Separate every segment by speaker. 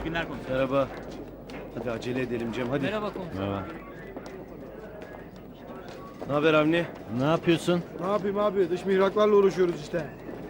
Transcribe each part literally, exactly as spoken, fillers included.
Speaker 1: İyi günler komiserim.
Speaker 2: Merhaba. Hadi acele edelim Cem hadi.
Speaker 1: Merhaba komiserim.
Speaker 3: Merhaba.
Speaker 2: Ne haber Avni?
Speaker 3: Ne yapıyorsun?
Speaker 4: Ne yapayım abi? Dış mihraklarla uğraşıyoruz işte.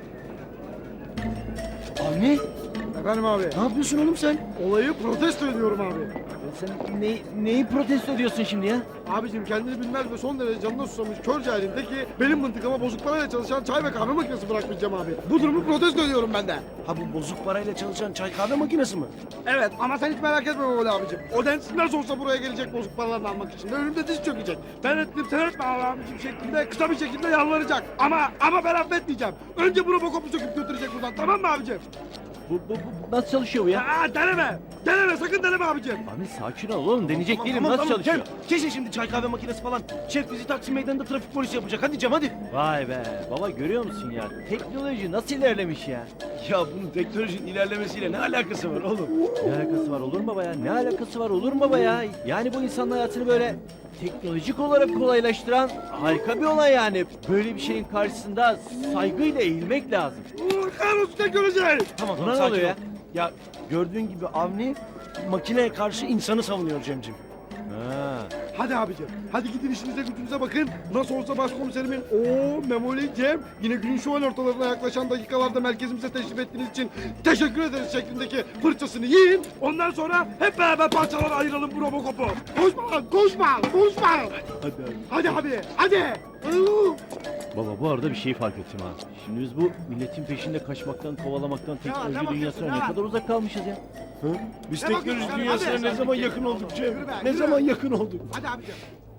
Speaker 2: Avni?
Speaker 4: Efendim abi?
Speaker 2: Ne yapıyorsun oğlum sen?
Speaker 4: Olayı protesto ediyorum abi.
Speaker 3: Sen ne, neyi protesto ediyorsun şimdi ya?
Speaker 4: Abicim kendini bilmez ve son derece canına susamış kör cahilindeki benim mıntıkama bozuk parayla çalışan çay ve kahve makinesi bırakmayacağım abi. Bu durumu protesto ediyorum ben de.
Speaker 2: Ha bu bozuk parayla çalışan çay kahve makinesi mi?
Speaker 4: Evet ama sen hiç merak etme böyle abicim. O densiz nasıl olsa buraya gelecek bozuk paralarını almak için. Ve önümde diz çökecek. Ben ettim sen etme abicim şeklinde kısa bir şekilde yalvaracak. Ama ama ben affetmeyeceğim. Önce bunu bokopu söküp götürecek buradan, tamam mı abicim?
Speaker 3: Bu, bu, bu nasıl çalışıyor bu ya?
Speaker 4: Aa, deneme. Deneme, sakın deneme abicim.
Speaker 3: Abi sakin ol oğlum, deneyecek
Speaker 2: Tamam,
Speaker 3: değilim.
Speaker 2: tamam,
Speaker 3: Nasıl
Speaker 2: tamam.
Speaker 3: çalışıyor?
Speaker 2: Cem, kesin şimdi çay kahve makinesi falan. Şef bizi Taksim Meydanı'nda trafik polisi yapacak. Hadi Cem hadi.
Speaker 3: Vay be, baba görüyor musun ya? Teknoloji nasıl ilerlemiş ya?
Speaker 2: Ya bunun teknolojinin ilerlemesiyle ne alakası var oğlum?
Speaker 3: Ne alakası var olur mu baba ya? Ne alakası var olur mu baba ya? Yani bu insanın hayatını böyle teknolojik olarak kolaylaştıran harika bir olay yani. Böyle bir şeyin karşısında saygıyla eğilmek lazım.
Speaker 4: Uuu, kahrolsun teknoloji.
Speaker 2: Tamam
Speaker 3: Buna ne
Speaker 2: sakin
Speaker 3: oluyor
Speaker 2: ol. Ya gördüğün gibi Avni makineye karşı insanı savunuyor Cemcim.
Speaker 3: Ha.
Speaker 4: Hadi abicim, hadi gidin işinize gücünüze bakın. Nasıl olsa başkomiserimin o Memoli Cem yine günün şu an ortalarına yaklaşan dakikalarda merkezimize teşrif ettiğiniz için teşekkür ederiz şeklindeki fırçasını yiyin. Ondan sonra hep beraber parçalara ayıralım bu Robocop'u. Koşma lan, koşma, koşma.
Speaker 3: Hadi abi.
Speaker 4: Hadi abi, hadi. Uuu.
Speaker 3: Baba bu arada bir şey fark ettim ha. Şimdi biz bu milletin peşinde kaçmaktan, kovalamaktan,
Speaker 4: ne
Speaker 3: teknoloji
Speaker 4: bakıyorsun,
Speaker 3: dünyasına
Speaker 4: ne
Speaker 3: ne
Speaker 4: var?
Speaker 3: kadar uzak kalmışız ya.
Speaker 2: Biz
Speaker 4: Ne
Speaker 2: teknoloji
Speaker 4: bakıyorsun sen?
Speaker 2: dünyasına
Speaker 4: Hadi.
Speaker 2: ne zaman yakın olduk Cem?
Speaker 4: Yürü be,
Speaker 2: Ne
Speaker 4: yürü.
Speaker 2: zaman yakın olduk?
Speaker 4: Hadi abicim.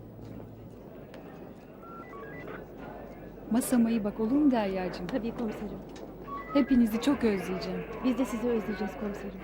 Speaker 5: Masama iyi bak olur mu Derya'cığım?
Speaker 6: Tabii komiserim.
Speaker 5: Hepinizi çok özleyeceğim.
Speaker 6: Biz de sizi özleyeceğiz komiserim.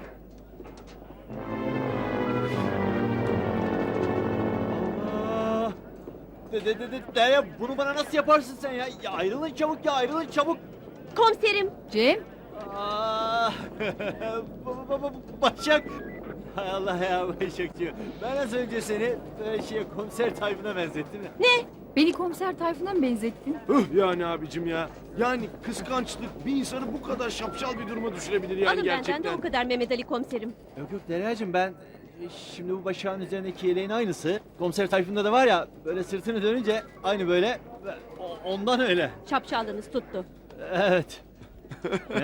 Speaker 3: Allah! De de de de de ya bunu bana nasıl yaparsın sen ya? Ya ayrılın çabuk ya ayrılın çabuk.
Speaker 6: Komiserim.
Speaker 5: Cem,
Speaker 3: Aa! Baba baba Başak. Hay Allah ya Başakcığım. Ben az önce seni böyle şey komiser Tayfun'a benzettim ya.
Speaker 5: beni komiser Tayfun'a mı benzettin?
Speaker 2: Üh yani abicim ya. Yani kıskançlık bir insanı bu kadar şapşal bir duruma düşürebilir yani
Speaker 6: Alın
Speaker 2: gerçekten.
Speaker 6: benden de o kadar Mehmet Ali komiserim.
Speaker 3: Yok yok Derya'cığım ben e, şimdi bu Başak'ın üzerindeki yeleğin aynısı. Komiser Tayfun'da da var ya böyle sırtını dönünce aynı böyle o- ondan öyle.
Speaker 6: Şapşallığınız tuttu.
Speaker 3: Evet. Ne?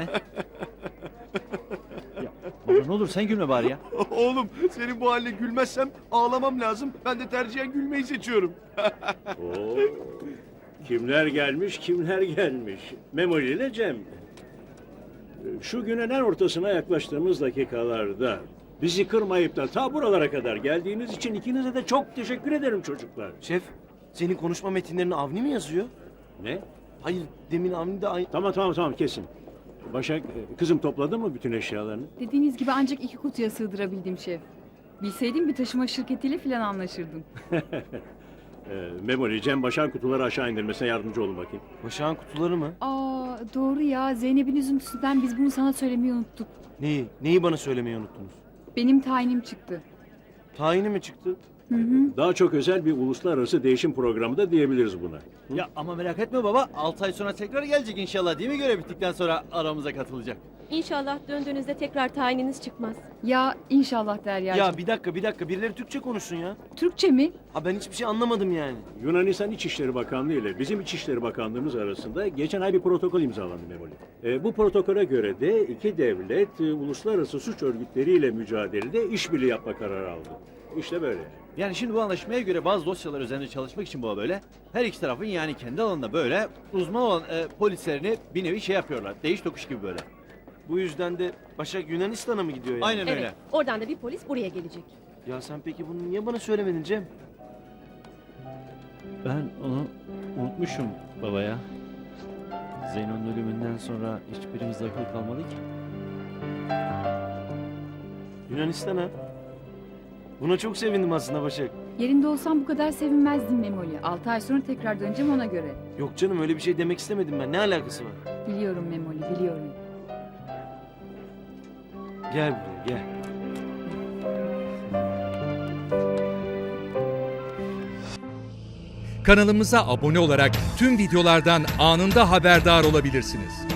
Speaker 3: Ya baba ne olur sen gülme bari ya.
Speaker 2: Oğlum senin bu haline gülmezsem ağlamam lazım. Ben de tercihen gülmeyi seçiyorum.
Speaker 7: Oo, kimler gelmiş, kimler gelmiş. Memoli ile Cem. Şu günün en ortasına yaklaştığımız dakikalarda bizi kırmayıp da ta buralara kadar geldiğiniz için ikinize de çok teşekkür ederim çocuklar.
Speaker 2: Şef senin konuşma metinlerini Avni mi yazıyor?
Speaker 7: Ne?
Speaker 2: Hayır demin Avni de aynı...
Speaker 7: Tamam tamam tamam kesin. Başak, e, kızım topladın mı bütün eşyalarını?
Speaker 5: Dediğiniz gibi ancak iki kutuya sığdırabildim şef. Bilseydim bir taşıma şirketiyle falan anlaşırdım.
Speaker 7: E, Memoli, Cem Başak'ın kutuları aşağı indirmesine yardımcı olun bakayım.
Speaker 2: Başak'ın kutuları mı?
Speaker 5: Aa doğru ya, Zeynep'in üzüntüsünden biz bunu sana söylemeyi unuttuk.
Speaker 2: Neyi? Neyi bana söylemeyi unuttunuz?
Speaker 5: Benim tayinim çıktı.
Speaker 2: Tayini mi çıktı?
Speaker 5: Hı hı.
Speaker 7: Daha çok özel bir uluslararası değişim programı da diyebiliriz buna.
Speaker 3: Ya ama merak etme baba altı ay sonra tekrar gelecek inşallah değil mi görev bittikten sonra aramıza katılacak.
Speaker 6: İnşallah döndüğünüzde tekrar tayininiz çıkmaz.
Speaker 5: Ya inşallah Derya'cığım.
Speaker 2: Ya bir dakika bir dakika birileri Türkçe konuşsun ya.
Speaker 5: Türkçe mi?
Speaker 2: Ha ben hiçbir şey anlamadım yani.
Speaker 7: Yunanistan İçişleri Bakanlığı ile bizim İçişleri Bakanlığımız arasında geçen ay bir protokol imzalandı Memoli. E, bu protokole göre de iki devlet e, uluslararası suç örgütleriyle mücadelede işbirliği yapma kararı aldı. İşte böyle.
Speaker 3: Yani şimdi bu anlaşmaya göre bazı dosyalar üzerinde çalışmak için bu böyle her iki tarafın yani kendi alanında böyle uzman olan e, polislerini bir nevi şey yapıyorlar. Değiş tokuş gibi böyle.
Speaker 2: Bu yüzden de Başak Yunanistan'a mı gidiyor yani?
Speaker 3: Aynen
Speaker 6: Evet.
Speaker 3: öyle.
Speaker 6: Oradan da bir polis buraya gelecek.
Speaker 2: Ya sen peki bunu niye bana söylemedin Cem?
Speaker 3: Ben onu unutmuşum baba ya. Zeyno'nun ölümünden sonra hiçbirimiz akıl kalmadı ki.
Speaker 2: Yunanistan'a. Buna çok sevindim aslında Başak.
Speaker 5: Yerinde olsam bu kadar sevinmezdim Memoli. Altı ay sonra tekrar döneceğim ona göre.
Speaker 2: Yok canım öyle bir şey demek istemedim ben. Ne alakası var?
Speaker 5: Biliyorum Memoli, biliyorum.
Speaker 2: Gel buraya gel.
Speaker 8: Kanalımıza abone olarak tüm videolardan anında haberdar olabilirsiniz.